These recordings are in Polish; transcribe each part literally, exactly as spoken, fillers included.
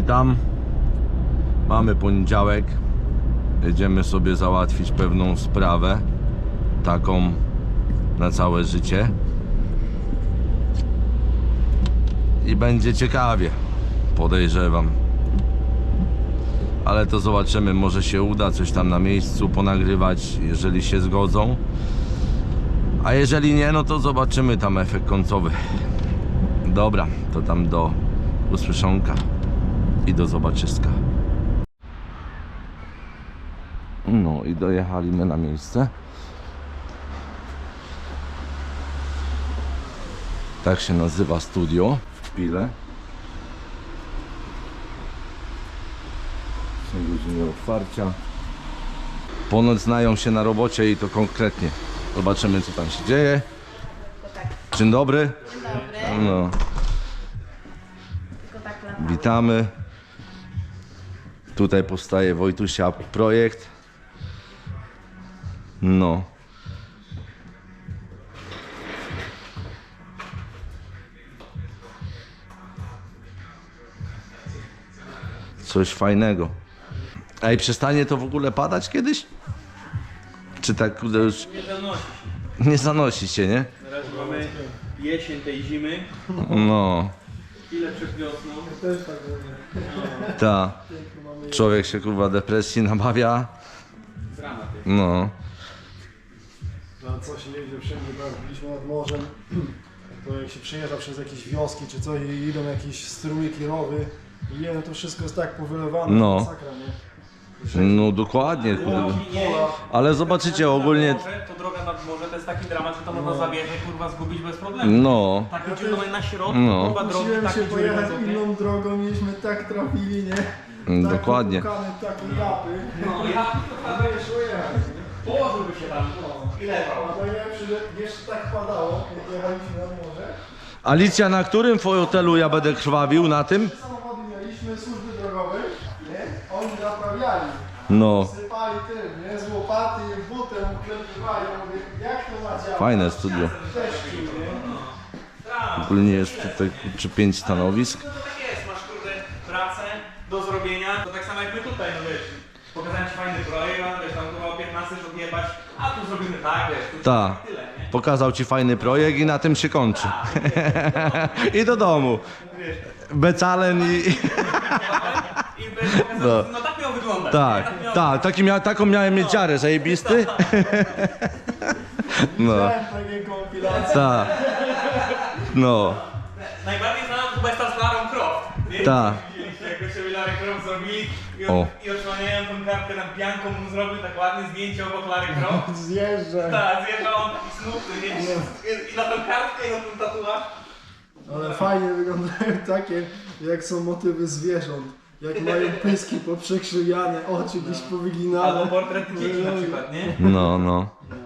witam. Mamy poniedziałek. Jedziemy sobie załatwić pewną sprawę, taką na całe życie. I będzie ciekawie, podejrzewam. Ale to zobaczymy, może się uda coś tam na miejscu ponagrywać, jeżeli się zgodzą. A jeżeli nie, no to zobaczymy tam efekt końcowy. Dobra, to tam do usłyszonka i do zobaczyska. No i dojechaliśmy na miejsce. Tak się nazywa studio w Pile. Są godziny otwarcia. Ponoć znają się na robocie i to konkretnie. Zobaczymy, co tam się dzieje. Dzień dobry. Dzień dobry. No. Witamy. Tutaj powstaje Wojtusia projekt. No. Coś fajnego. Ej, przestanie to w ogóle padać kiedyś? Czy tak już... Nie zanosi się. Nie zanosi się, nie? Na razie mamy jesień tej zimy, No. chwilę przed wiosną. Ta. Człowiek się kurwa depresji nabawia. Dramat jest. No. Na co się jedzie wszędzie, tak, byliśmy nad morzem, to jak się przejeżdża przez jakieś wioski czy coś i idą jakieś strumyki, rowy i jedno to wszystko jest tak powylewane, No. masakra, nie? No dokładnie, kurde. Nie, Ale zobaczycie ogólnie. morze, to droga nad morze to jest taki dramat, że to można zawieźć, kurwa, zgubić bez problemu. No. Taki dziury na środku, No. kurwa, drogi, Musiałem takie się dziury pojechać głębokie. inną drogą, mieliśmy tak trafili, nie? Mm, Tak dokładnie. popłukane, takie japy. No, ja A to nie szło jechać. położyłby się tam i leżał. A najlepsze, że jeszcze tak padało, jak jechaliśmy nad morze. Alicja, na którym fotelu ja będę krwawił? Na tym? Samochody mieliśmy, służby drogowe, nie? Oni naprawiali. No. Sypali tym, nie? Z łopaty i butem uklepywali. Ja mówię, jak to ma działać? Fajne studio. Deszczu, nie? Ogólnie jest tutaj czy pięć stanowisk. No to tak jest, masz kurde pracę do zrobienia, to tak samo jak my tutaj, no wiesz, pokazałem ci fajny projekt, a wiesz, tam chyba o piętnaście odjebać, a tu zrobimy tak, wiesz, tu Ta. tyle, nie? Pokazał ci fajny projekt i na tym się kończy. I do domu. Becalen i... I będę pokazał, No. no tak miał wyglądać. Tak, nie? miał tak, taki mia taką miałem mieć dziarę, zajebisty. No, Widziałem takie kompilacje. tak. No, Najbardziej znana chyba jest ta z Larą Croft. Nie? Tak. Widzieliście, jak to sobie Larry Croft zrobili i, O. on, i odsłaniają tą kartkę tam pianką, mu zrobił tak ładnie zdjęcie obok Larry Croft. Zjeżdża. Tak, zjeżdżał on taki smutny, nie? I na tą kartkę i na ten tatuaż. Ale fajnie wyglądają takie, jak są motywy zwierząt. Jak mają pyski poprzekrzywiane, oczy gdzieś Albo powyginane. portrety dzieci na przykład, nie? no, no.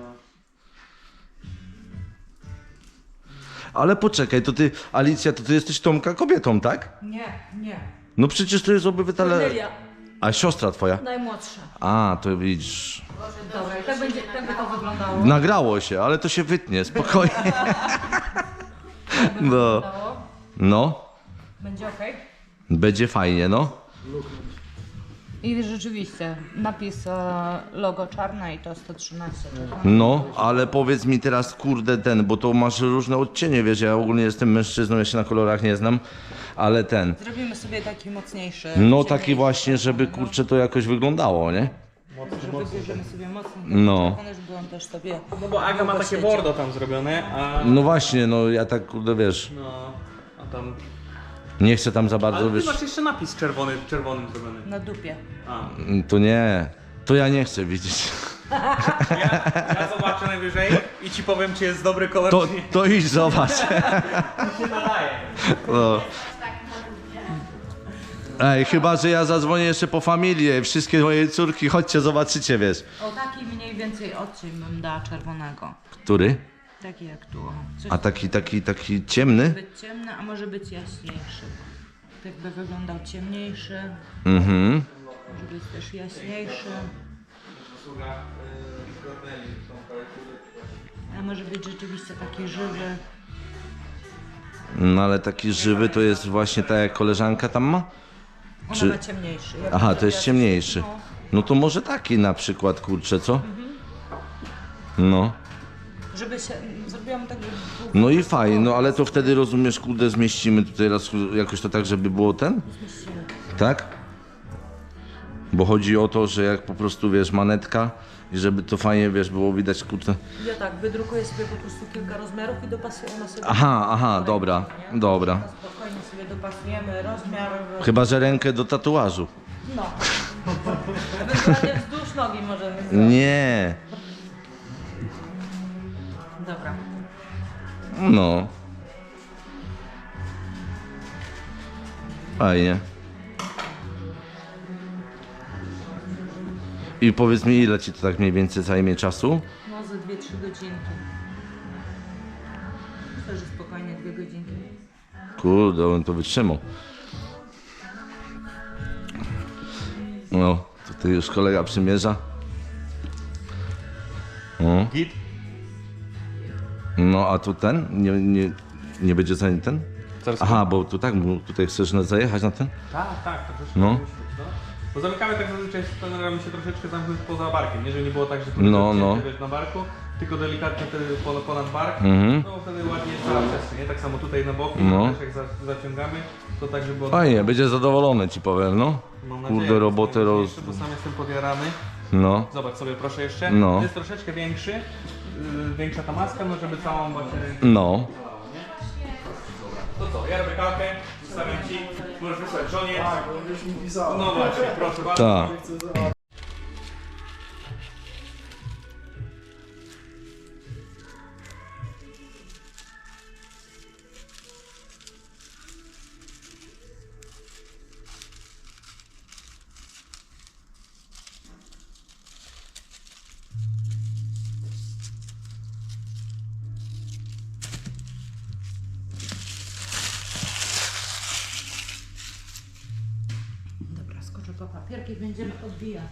Ale poczekaj, to ty, Alicja, to ty jesteś Tomka kobietą, tak? Nie, nie. No przecież to jest obywatele... Kornelia, A siostra twoja? najmłodsza. A, to widzisz... Dobra, tak, będzie, tak by to wyglądało. Nagrało się, ale to się wytnie, spokojnie. Tak by No. wyglądało. No, Będzie okej. będzie fajnie, no. I rzeczywiście, napis e, logo czarne i to sto trzynaście. No, ale powiedz mi teraz, kurde, ten, bo to masz różne odcienie, wiesz, ja ogólnie jestem mężczyzną, ja się na kolorach nie znam, ale ten, Zrobimy sobie taki mocniejszy. no taki ciemniejszy. właśnie, żeby, kurczę, to jakoś wyglądało, nie? Że wybierzemy sobie mocno. No. Czerwony, żeby on też sobie... No bo Aga ma takie bordo tam zrobione, a... No właśnie, no ja tak, kurde, wiesz, No, a tam... nie chcę tam za bardzo, Ale ty wiesz, masz jeszcze napis czerwony, czerwonym zrobiony. Na dupie. A. to nie, to ja nie chcę widzieć. Ja, ja zobaczę najwyżej i ci powiem, czy jest dobry kolor, To, czy nie. to idź zobacz. się nadaje. No. Ej, chyba, że ja zadzwonię jeszcze po familię, wszystkie moje córki, chodźcie, zobaczycie, wiesz. O taki mniej więcej odcień bym dała czerwonego. Który? Taki jak tu. o. Coś A taki, taki, taki ciemny? może być ciemny, a może być jaśniejszy. Tak by wyglądał ciemniejszy, Mhm. może być też jaśniejszy. A może być rzeczywiście taki żywy. No ale taki żywy to jest właśnie tak jak koleżanka tam ma? Ona Czy- ma ciemniejszy. Ja Aha, bym to jest zrobiła- ciemniejszy. No, No to może taki na przykład, kurczę, co? No. żeby się, zrobiłam tak, żeby był No i fajnie, no ale to wtedy rozumiesz, kurde, zmieścimy tutaj raz jakoś to tak, żeby było ten? zmieścimy. Tak? Bo chodzi o to, że jak po prostu, wiesz, manetka i żeby to fajnie, wiesz, było widać, kurde. Ja tak, wydrukuję sobie po prostu kilka rozmiarów i dopasuję ona sobie. Aha, aha, dobra, dobra. Na spokojnie sobie dopasujemy rozmiar. Chyba, że rękę do tatuażu. No. Ewentualnie wzdłuż nogi możemy zrobić. Nie. Dobra. No. Fajnie. I powiedz mi, ile ci to tak mniej więcej zajmie czasu? No ze dwie trzy godzinki. Myślę, że spokojnie dwie godzinki. Kurde, on to wytrzymał. No, tutaj już kolega przymierza. O. Git? No, a tu ten? Nie, nie, nie będzie za ten? Zaraz Aha, bo tu tak, bo tutaj chcesz na- zajechać na ten? Tak, tak, troszeczkę. No. No. Bo zamykamy tak zazwyczaj, staramy się troszeczkę zamknąć poza barkiem, nie? Żeby nie było tak, że to No, jest no. wiesz, na barku, tylko delikatnie wtedy ponad, ponad bark, Mhm. no wtedy ładnie jest cała przestrzeń, nie? Tak samo tutaj na boku, No. też jak za, zaciągamy, to tak, żeby... od- Fajnie, będzie zadowolony, ci powiem, no. Mam nadzieję, Kurde, że robotę jest roz... mniejszy, Bo sam jestem podjarany. No. Zobacz sobie proszę jeszcze, No. to jest troszeczkę większy, yy, większa ta maska, no żeby całą właśnie rękę... No. To co, ja robię kalkę, zostawiam ci, możesz wysłać żonie. Tak, bo już mi pisała. No właśnie, proszę bardzo. Tak. Chcę za- Dobra, skoczę po papierki, będziemy odbijać.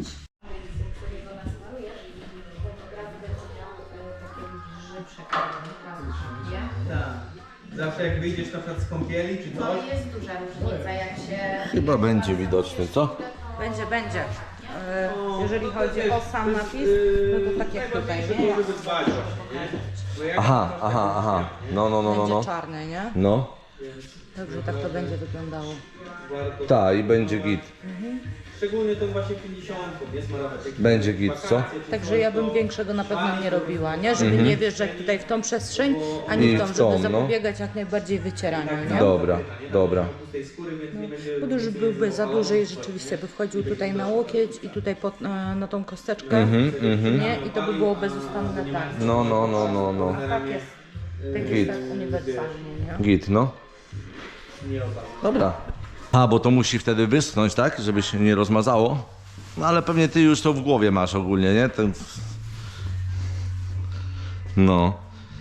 Tak. Zawsze jak wyjdziesz na przykład z kąpieli czy No coś, jest duża różnica, jak się... Chyba będzie widoczny, co? Będzie, będzie. E, Jeżeli chodzi o sam napis, no to tak jak tutaj, nie? żeby dbać właśnie, nie? Bo jak Aha, aha, aha. No, no, no, no, Będzie no. czarny, nie? No. Także tak to będzie wyglądało. warto, Tak, i będzie git. szczególnie tą właśnie pięćdziesiątką, nie smarować jakieś Będzie git, co? wakacje czy Także coś, ja bym to- większego na pewno nie robiła, nie? Żeby nie wjeżdżać tutaj w tą przestrzeń, ani I w tą, w tą, żeby no. zapobiegać jak najbardziej wycieraniu, nie? Dobra, dobra. tej skóry, więc nie będzie... Bo już byłby za duży i rzeczywiście by wchodził tutaj na łokieć i tutaj pod, e, na tą kosteczkę, nie? I to by było bezustanne tak. No, no, no, no, no. Tak jest. Tak Git. jest tak uniwersalnie, nie? Git, no. Dobra. A, bo to musi wtedy wyschnąć, tak? Żeby się nie rozmazało. No ale pewnie ty już to w głowie masz ogólnie, nie? Ten... No.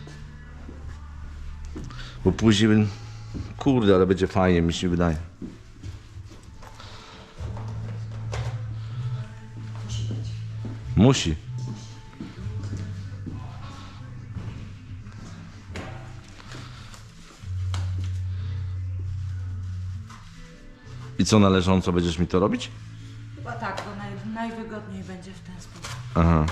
Bo później... Kurde, ale będzie fajnie, mi się wydaje. Musi. I co należąco będziesz mi to robić? Chyba tak, to naj, najwygodniej będzie w ten sposób. Aha.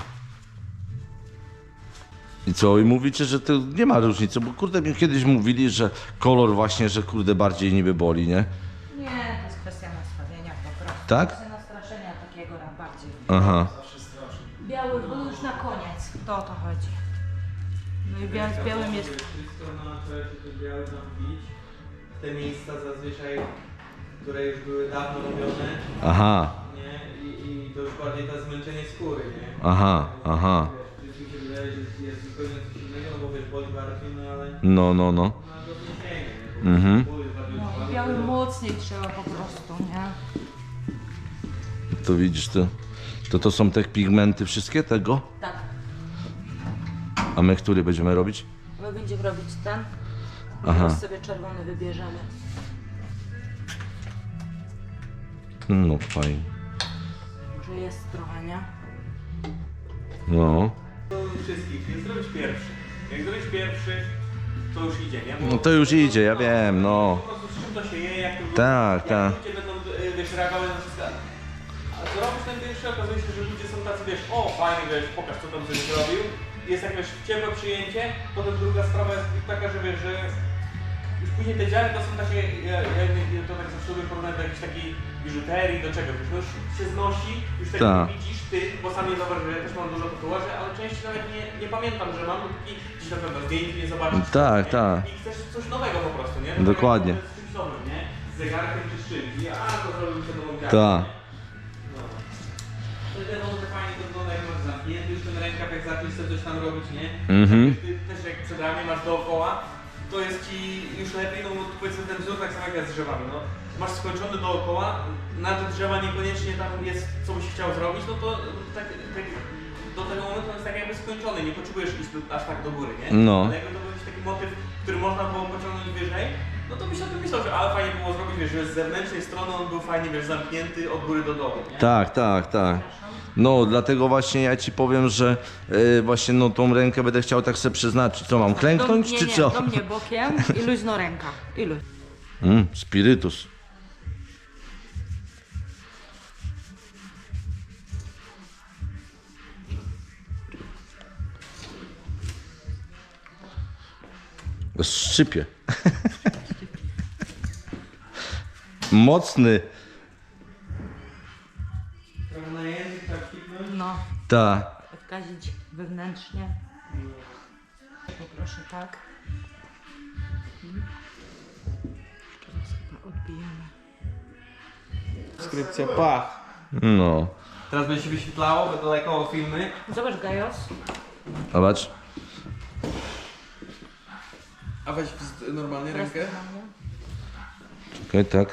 I co? I mówicie, że to nie ma różnicy, bo kurde mi kiedyś mówili, że kolor właśnie, że kurde bardziej niby boli, nie? Nie, to jest kwestia nastawienia po prostu. Tak? Kwestia nastraszenia takiego na bardziej. Aha. Biały był już na koniec, to o to chodzi. No i bia z białym jest... Wszystko na trzeba się te białe tam wbić. Te miejsca zazwyczaj, które już były dawno robione, Aha. nie? I, i to już bardziej to zmęczenie skóry, nie? Aha, aha. Wiesz, mi się wydaje, że jest zupełnie coś innego, no bo wiesz, boli barki, no ale No, no, no. na to nie sięgnie, nie? Bo Mhm. ból jest bardziej No, utrwalony, biały to- mocniej trzeba po prostu, nie? To widzisz, to, to to są te pigmenty wszystkie tego? Tak. A my który będziemy robić? My będziemy robić ten. Aha. Teraz sobie czerwony wybierzemy. No fajnie. Może jest trochę, nie? No. To wszystkich, więc zrobić pierwszy. Jak zrobić pierwszy, to już idzie, nie? Bo No to już idzie, ja wiem, no. po prostu z czym to się je, jak to Tak, jak tak. ludzie będą, y, wiesz, reagować na wszystko. A co robisz ten pierwszy, okazuje się, że ludzie są tacy, wiesz, o fajnie, wiesz, pokaż co tam coś zrobił. Jest jakieś ciepłe przyjęcie, potem druga sprawa jest taka, że wiesz, że już później te dziary to są takie, ja, ja, ja to tak zawsze lubię porównać do jakiejś takiej biżuterii, do czego, wiesz, no już się znosi, już tak Ta. nie widzisz ty, bo sam nie zauważyłem, ja też mam dużo tatuaży, ale części nawet nie, nie pamiętam, że mam, dopóki gdzieś na pewno zdjęć nie zobaczysz. Tak, nie? tak. I chcesz coś nowego po prostu, nie? Dokładnie. Z czymś nowym, nie? Z zegarkiem czy z czymś. I a, to zrobił sobie nową dziarkę, Tak. nie? No. To jest może fajnie to wygląda, jak masz zamknięty już ten rękaw, jak zaczniesz sobie coś tam robić, nie? Mhm. Tak, ty też jak przed ramię masz dookoła, to jest ci już lepiej, no bo powiedzmy ten wzór tak samo jak z drzewami, no. Masz skończony dookoła, na te drzewa niekoniecznie tam jest co byś chciał zrobić, no to tak, tak do tego momentu on jest tak jakby skończony, nie potrzebujesz iść do, aż tak do góry, nie? No. Ale jakby to był jakiś taki motyw, który można było pociągnąć wyżej, no to byś o tym myślał, że ale fajnie było zrobić, wiesz, że z zewnętrznej strony on był fajnie, wiesz, zamknięty od góry do dołu, nie? Tak, tak, tak. No, dlatego właśnie ja ci powiem, że y, właśnie no tą rękę będę chciał tak sobie przeznaczyć. Co mam, klęknąć nie, czy nie, co? do mnie bokiem i luźno ręka. I luźno. Mm, spirytus. Szczypie. Mocny. Trochę na język, tak kipnąć. No, Ta. odkazić wewnętrznie. Poproszę tak. Mhm. Jeszcze raz chyba odbijamy. Skrypcja, pach. No. Teraz będzie się wyświetlało, będą lajkował filmy. Zobacz Gajos. Zobacz. A weź normalnie Teraz rękę. normalnie. Czekaj, tak.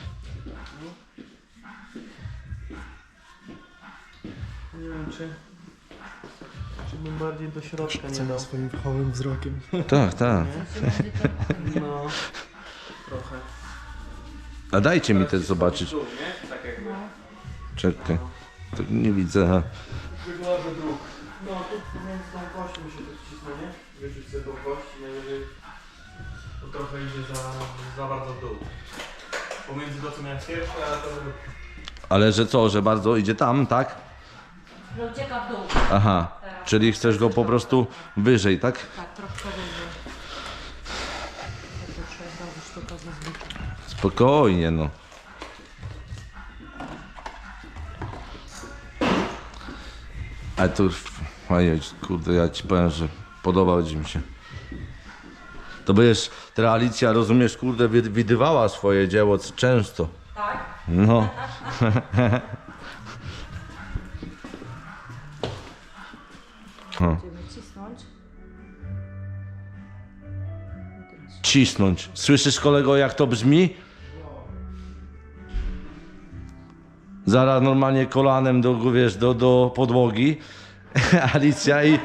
Nie wiem czy... Czy bym bardziej do środka nie Chcę dał. swoim fachowym wzrokiem. Tak, tak. No... Trochę. A dajcie mi też zobaczyć. Dół, nie? Tak jakby. Czekaj. To nie widzę. Wygląda dróg. No tu pomiędzy tą kością się to wcisnę, nie? Wyrzuć sobie tą kość i najwyżej to trochę idzie za, za bardzo w dół. Pomiędzy to co miałem pierwsze, a to... Ale że co, że bardzo idzie tam, tak? Że ucieka w dół. Aha. Czyli chcesz go po prostu wyżej, tak? Tak, troszkę wyżej. Tak to trzeba zrobić tylko zazwyczaj. Spokojnie, no. Ale to już, ojej, kurde, ja ci powiem, że podobał ci mi się. To będziesz, ta Alicja, rozumiesz, kurde, wi- widywała swoje dzieło c- często. Tak? No. O, Będziemy cisnąć. cisnąć. Słyszysz, kolego, jak to brzmi? Zaraz normalnie kolanem do, wiesz, do, do podłogi. Alicja i...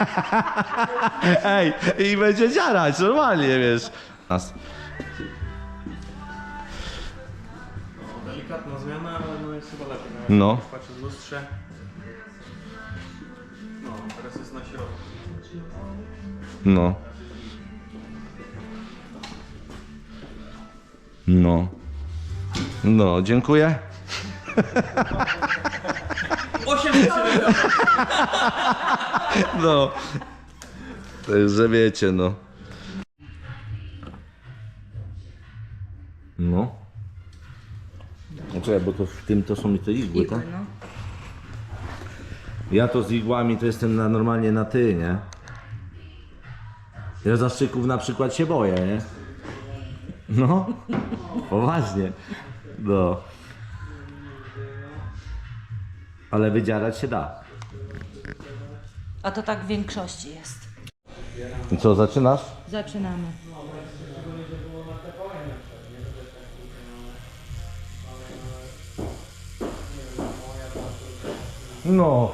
Ej, i będzie dziarać, normalnie, wiesz. Nas. No, delikatna zmiana, ale no jest chyba lepiej. No. Patrzę w lustrze. No, teraz jest na środku. No. No. No, dziękuję. osiem tysięcy. No. Także wiecie, no. No. No czekaj, bo to w tym to są te igły, Igły, tak? no. Ja to z igłami to jestem na, normalnie na ty, nie? Ja zastrzyków na przykład się boję, nie? No. Poważnie. No. Ale wydzierać się da. A to tak w większości jest. I co, zaczynasz? Zaczynamy. No.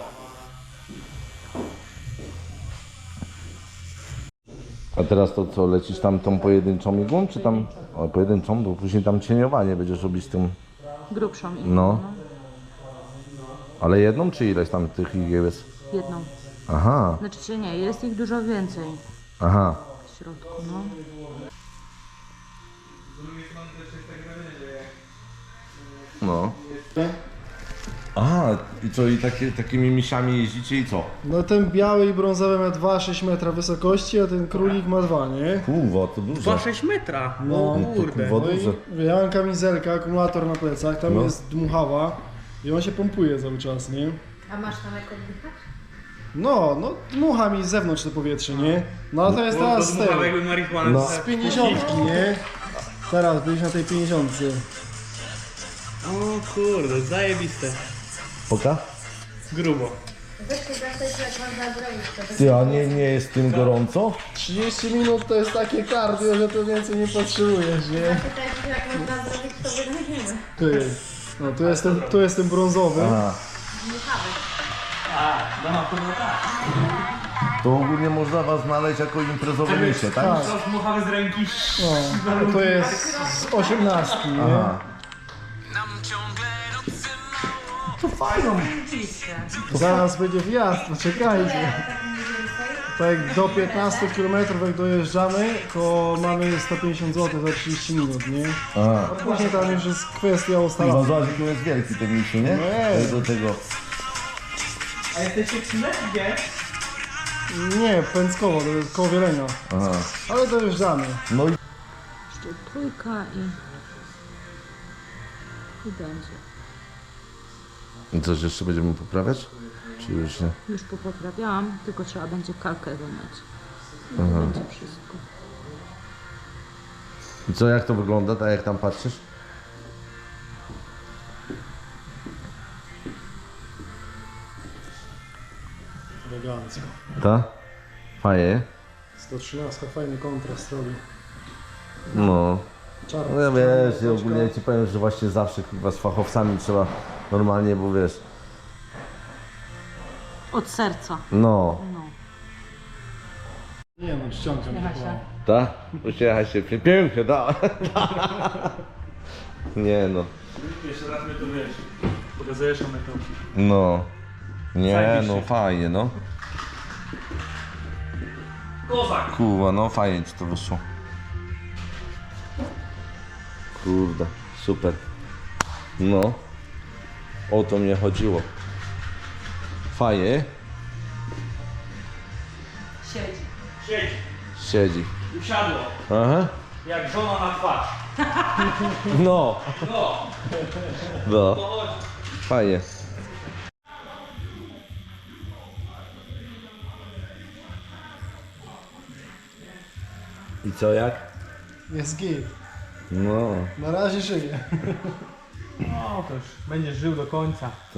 A teraz to co, lecisz tam tą pojedynczą igłą, czy tam... O, pojedynczą, bo później tam cieniowanie będziesz robić z tym... Grubszą igłą. No. Ale jedną, czy ileś tam tych igieł jest? Jedną. Aha, Znaczy się nie, jest ich dużo więcej aha. w środku, no. No. Aha, i co, i takie, takimi misiami jeździcie i co? No ten biały i brązowy ma dwa przecinek sześć metra wysokości, a ten królik ma dwa, nie? Kurwa, to dużo. dwa sześć metra. No, No to kurde. kurwa No duże. i ja mam kamizelkę, akumulator na plecach, tam No. jest dmuchawa i on się pompuje cały czas, nie? A masz tam jak oddychać? No, no dmucha mi z zewnątrz to powietrze, nie? No a to jest Bo teraz to z dmuchał tego, jakby marihuanę. No. z pięćdziesiątki, nie? Teraz byliśmy na tej pięćdziesiątce. O kurde, zajebiste. Poka? Grubo. Weź się zapytać, jak można zrobić to. Ty, a nie, nie jest tym gorąco? trzydzieści minut to jest takie cardio, że to więcej nie potrzebujesz, nie? Zapytaj się, jak można zrobić to wynajdziemy. Ty, no tu jest ten, tu jest ten brązowy. Aha. A, no to było tak. To ogólnie można was znaleźć jako imprezowe misie, tak? Tak. To dmuchały z ręki. No, a to jest z osiemnastki, nie? Aha. Zaraz będzie wjazd, poczekajcie. Tak do piętnastu kilometrów jak dojeżdżamy, to mamy sto pięćdziesiąt złotych za trzydzieści minut, nie? Aha. A później tam już jest kwestia Kurwa, ustalona. zobacz, jaki jest wielki ten misiu, nie? No jest. Do tego. A jesteście w Chile, gdzie? Nie, Pęckowo, to jest koło Wielenia. Aha. Ale dojeżdżamy. No i Jeszcze trójka i... i będzie. I coś jeszcze będziemy poprawiać? Czy już nie? Już popoprawiałam, tylko trzeba będzie kalkę wymyć. I to będzie wszystko. I co, jak to wygląda, tak jak tam patrzysz? Elegancko. Ta? Fajnie? sto trzynaście fajny kontrast robi. No. Czarny. No ja wiesz, ja ogólnie ci powiem, że właśnie zawsze chyba z fachowcami trzeba normalnie, bo wiesz, Od serca. no. No. Nie no, ściągam się. chyba. Ta? Uśmiecha się, pie- pięknie, da. Nie no, Jeszcze raz mnie to wiesz. Pokazujesz mnie to. no. Nie Zajebiście. no, fajnie, no. Kozak. Kurwa, no fajnie ci to wyszło. Kurde, super. No. O to mnie chodziło. Fajnie. Siedzi. Siedź. Siedzi. Usiadło. Aha. Jak żona na twarz. No. No. No. To chodź. Fajnie. I co, jak? Jest git. No. Na razie żyje. No to już będziesz żył do końca. To.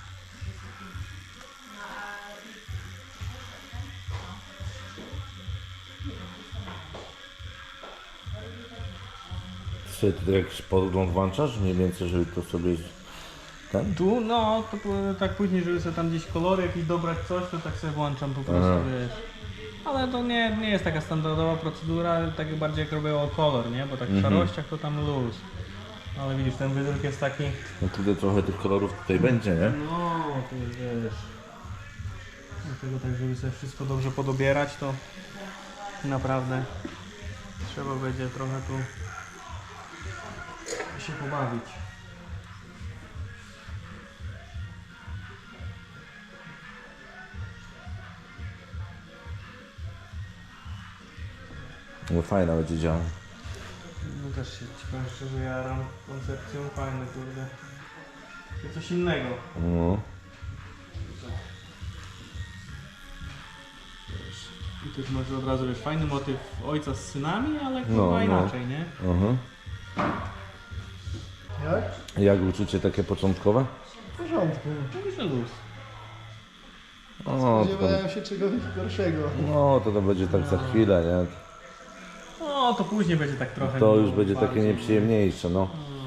Czy ty jakiś podgląd włączasz mniej więcej, żeby to sobie ten? Tu, no, to po- tak później, żeby sobie tam gdzieś kolory jakieś dobrać coś, to tak sobie włączam po prostu, Aha. wiesz. Ale to nie, nie jest taka standardowa procedura, tak bardziej jak robię o kolor, nie? Bo tak w Mhm. szarościach to tam luz. Ale widzisz, ten wydruk jest taki... No tutaj trochę tych kolorów tutaj będzie, nie? No, to jest, wiesz... Dlatego tak, żeby sobie wszystko dobrze podobierać, to naprawdę trzeba będzie trochę tu się pobawić. No fajna będzie działa. No też się ci powiem szczerze jaram koncepcją, fajne kurde. To coś innego. No. I też masz od razu, wiesz, fajny motyw ojca z synami, ale No, chyba no. inaczej, nie? Aha. Jak? Jak uczucie takie początkowe? W porządku. Mówisz, że luz. O, to, Spodziewałem się czegoś gorszego. no to to będzie tak za chwilę, nie? No, to później będzie tak trochę... To no, już będzie takie bardziej. nieprzyjemniejsze, no.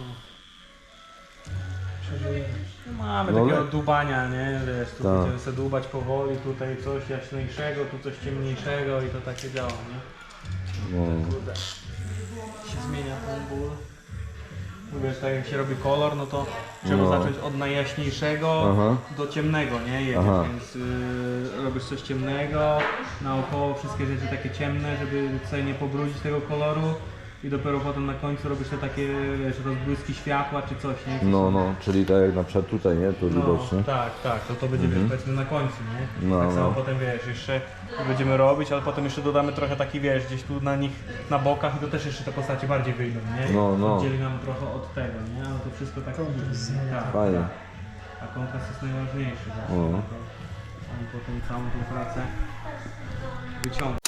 No, mamy No, takiego le- dubania, nie? Wiesz, tu Tak. będziemy sobie dubać powoli, tutaj coś jaśniejszego, tu coś ciemniejszego i to takie działa, nie? no. Kurde. Się zmienia ten ból. Wiesz, tak jak się robi kolor, no to trzeba No. zacząć od najjaśniejszego Aha. do ciemnego, nie? Jedziesz, Aha. więc y, robisz coś ciemnego, naokoło wszystkie rzeczy takie ciemne, żeby sobie nie pobrudzić tego koloru i dopiero potem na końcu robisz te takie, wiesz, rozbłyski światła czy coś, nie? No, no, czyli tak jak na przykład tutaj, nie? Tu widać, nie? tak, tak, to to będzie, wiesz, powiedzmy na końcu, nie? No, tak samo no. potem, wiesz, jeszcze będziemy robić, ale potem jeszcze dodamy trochę taki, wiesz, gdzieś tu na nich, na bokach i to też jeszcze te postacie bardziej wyjdą, nie? No, no. Oddzieli nam trochę od tego, nie? Ale to wszystko tak Kontrast. tak, Fajnie. tak. A kontrast jest najważniejszy, tak? O. On potem całą tą pracę wyciąga.